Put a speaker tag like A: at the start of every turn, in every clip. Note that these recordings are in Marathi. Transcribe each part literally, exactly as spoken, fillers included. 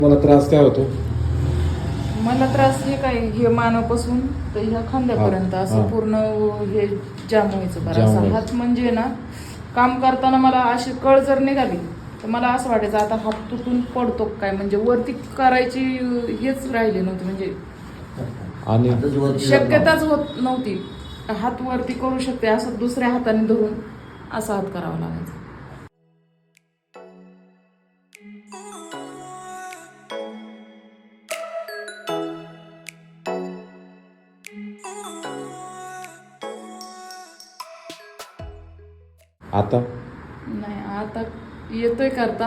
A: मला त्रास काय होतो?
B: मला त्रास हे काय हे मानापासून तर ह्या खांद्यापर्यंत असं पूर्ण हे जाम व्हायचं बरं. असं हात म्हणजे ना काम करताना मला अशी कळ जर निघाली तर मला असं वाटायचं आता हात तुटून पडतो काय, म्हणजे वरती करायची हेच राहिली नव्हती, म्हणजे
A: आणि
B: शक्यताच होत नव्हती. हात वरती करू शकते असं दुसऱ्या हाताने धरून असा हात करावा लागायचा.
A: आता
B: नाही आता येतोय करता.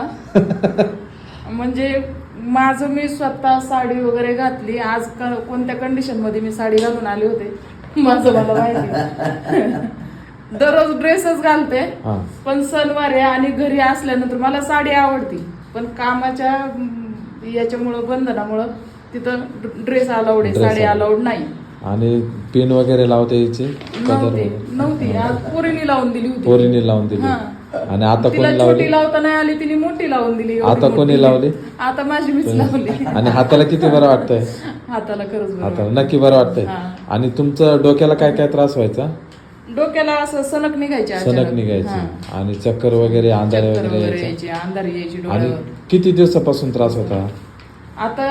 B: म्हणजे माझं मी स्वतः साडी वगैरे घातली. आज कोणत्या कंडिशन मध्ये मी साडी घालून आले होते माझं मला माहिती. दररोज ड्रेसच घालते, पण सणवार आहे आणि घरी असल्यानंतर मला साडी आवडती, पण कामाच्या याच्यामुळं बंधनामुळं तिथं ड्रेस अलाउड आहे, साडी अलाउड नाही.
A: आणि पिन वगैरे लावते याची
B: नव्हती नव्हती आज पोरीने लावून दिली होती.
A: पोरीने लावून दिली. आणि आता
B: तिला
A: कोणी
B: छोटी
A: लावली?
B: लावता नाही आली, तिने मोठी लावून दिली.
A: आता कोणी लावली?
B: आता माझी मीच लावली.
A: आणि हाताला किती बरं वाटतंय?
B: हाताला खरंच बरं
A: हाताला
B: वाटतंय.
A: नक्की बरं वाटतंय. आणि तुमचं डोक्याला काय काय त्रास व्हायचा?
B: डोक्याला असं सनक निघायची,
A: सनक निघायची आणि चक्कर वगैरे, अंधारे वगैरे
B: यायची, अंधारी यायची
A: आणि
B: डोळ्यावर.
A: किती दिवसापासून त्रास होता?
B: आता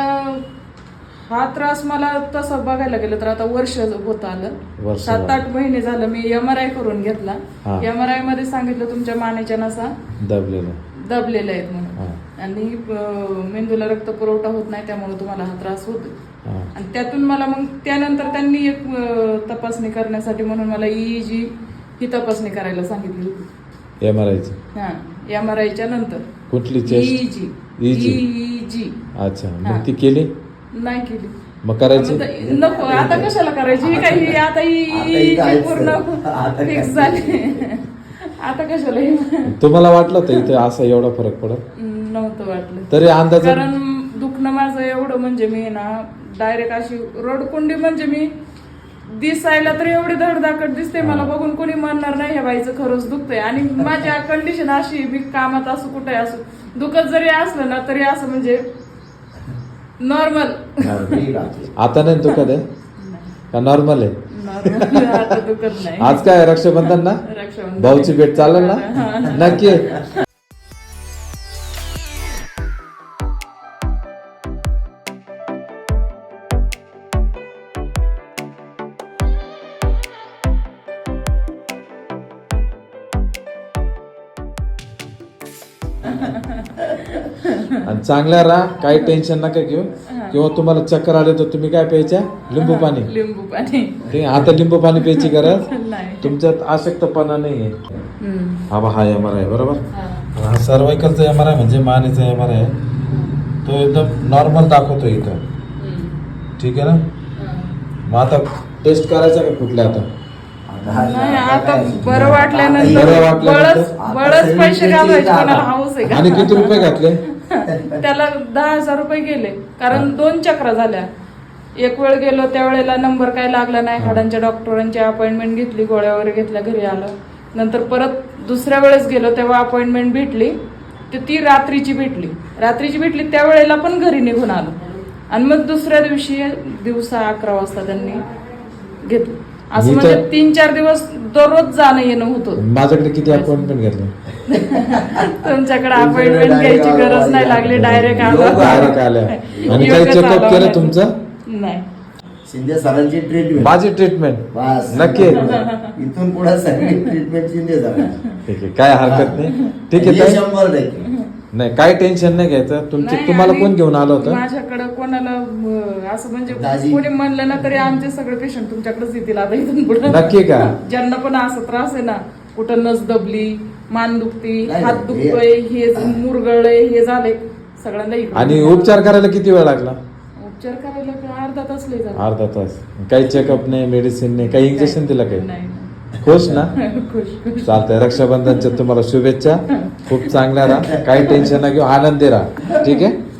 B: हा त्रास मला तसं बघायला गेलं तर आता वर्ष होत आलं.
A: वर्ष
B: सात आठ महिने झालं. मी एम आर आय करून घेतला.
A: हा.
B: एम आर आय मध्ये सांगितलं तुमच्या मानेच्या नसा
A: दबलेलं
B: दबलेल्या आहेत म्हणून,
A: हा.
B: आणि अं, मेंदूला रक्त पुरवठा होत नाही, त्यामुळे तुम्हाला हा त्रास होतो.
A: हा.
B: आणि त्यातून मला मग त्यानंतर त्यांनी एक अं, तपासणी करण्यासाठी म्हणून मला ईईजी ही तपासणी करायला सांगितली होती.
A: एम आर आयची?
B: हा, एम आर आयच्या नंतर
A: कुठली? चेस्ट?
B: ईईजी.
A: ईजी?
B: ईईजी.
A: अच्छा,
B: हा.
A: मग ती केली?
B: नाही केली.
A: मग करायची?
B: नको, आता कशाला करायची? ही काही आता ही पूर्ण फिक्स झाली. आता कशाला ही?
A: तुम्हाला वाटलं होतं इथे असं एवढा फरक पडत?
B: नव्हतं वाटलं.
A: तरी अंदाज?
B: कारण दुखणं माझं एवढं म्हणजे मी ना डायरेक्ट अशी रडकुंडी, म्हणजे मी दिसायला तर एवढी धडधाकट दिसते, मला बघून कोणी म्हणणार नाही ह्या बाईचं खरंच दुखतंय. आणि माझ्या कंडिशन अशी, मी कामात असो कुठे असो, दुखत जरी असलं ना तरी असं म्हणजे नॉर्मल.
A: आता नाही दुखत आहे का? नॉर्मल आहे?
B: नॉर्मल आता दुखत नाही.
A: आज काय रक्षाबंधन ना?
B: रक्षाबंधन
A: भाऊची भेट चालेल ना? नक्की. आणि चांगल्या राहा, काही टेन्शन नका घेऊ. किंवा तुम्हाला चक्कर आले तर तुम्ही काय प्यायच्या? लिंबू पाणी.
B: लिंबू पाणी.
A: ठीक आहे, आता लिंबू पाणी प्यायची गरज
B: नाही.
A: तुमच्यात आसक्तपणा नाहीये.
B: हम्म.
A: हा बा, हा एम आर आय बरोबर.
B: हा.
A: हा सर्वायकलचा एम आर आय म्हणजे मानेचा एम आर आय तो एकदम नॉर्मल दाखवतो इथं.
B: हम्म.
A: ठीक आहे ना?
B: हा.
A: मग आता टेस्ट करायचा का कुठल्या? आता
B: नाही, आता बरं वाटल्यानंतर
A: बरं वाटल्यानंतर
B: बळच बळच पैसे घालायचे, कोणाला हाऊस आहे का?
A: आणि किती रुपये घातले?
B: त्याला दहा हजार रुपये गेले, कारण दोन चक्रा झाल्या. एक वेळ गेलो त्यावेळेला नंबर काय लागला नाही, हाडांच्या डॉक्टरांची अपॉइंटमेंट घेतली, गोळ्या वगैरे घेतल्या, घरी आलो. नंतर परत दुसऱ्या वेळेस गेलो तेव्हा अपॉइंटमेंट भेटली, तर ती रात्रीची भेटली. रात्रीची भेटली त्यावेळेला पण घरी निघून आलो. आणि मग दुसऱ्या दिवशी दिवसा अकरा वाजता त्यांनी घेतलं. असं म्हणजे तीन चार दिवस दररोज जाणं येणं होतं.
A: माझ्याकडे किती अपॉइंटमेंट घेतले?
B: तुमच्याकडे अपॉइंटमेंट घ्यायची गरज नाही लागली, डायरेक्ट
A: डायरेक्ट आल्या. आणि काही चेकअप केलं तुमचं?
B: नाही.
C: शिंदे सरांची ट्रीटमेंट,
A: माझी ट्रीटमेंट नक्की.
C: इथून पुढे सगळी ट्रीटमेंट शिंदे सरांची.
A: ठीक आहे, काय हरकत नाही. ठीक आहे,
C: शंभर टक्के
A: नाही, काय टेन्शन नाही घ्यायचं. तुमचे
B: नाही,
A: तुम्हाला
B: आणि
A: कोण घेऊन आलं होतं?
B: माझ्याकडे कोणाला अं, असं म्हणजे
C: दाजी.
B: कोणी म्हणलं ना तरी आमचे सगळे पेशंट तुमच्याकडेच येतील आता इथून पुढे.
A: नक्की का?
B: ज्यांना पण असं त्रास आहे ना, कुठं नस दबली, मान दुखती,
C: नाही,
B: हात
C: नाही,
B: दुखतोय, हे मुरगळलंय, हे झालंय, सगळ्यांना इकडे.
A: आणि उपचार करायला किती वेळ लागला?
B: उपचार करायला का अर्धा तास लय झाला.
A: अर्धा तास. काही चेकअप नाही, मेडिसिन नाही, काही इंजेक्शन दिलं काही?
B: नाही.
A: खुश ना?
B: खुश खुश.
A: चालतंय. रक्षाबंधनच्या तुम्हाला शुभेच्छा. खूप चांगल्या राहा, काही टेन्शन ना घेऊ, आनंदी राहा. ठीक आहे.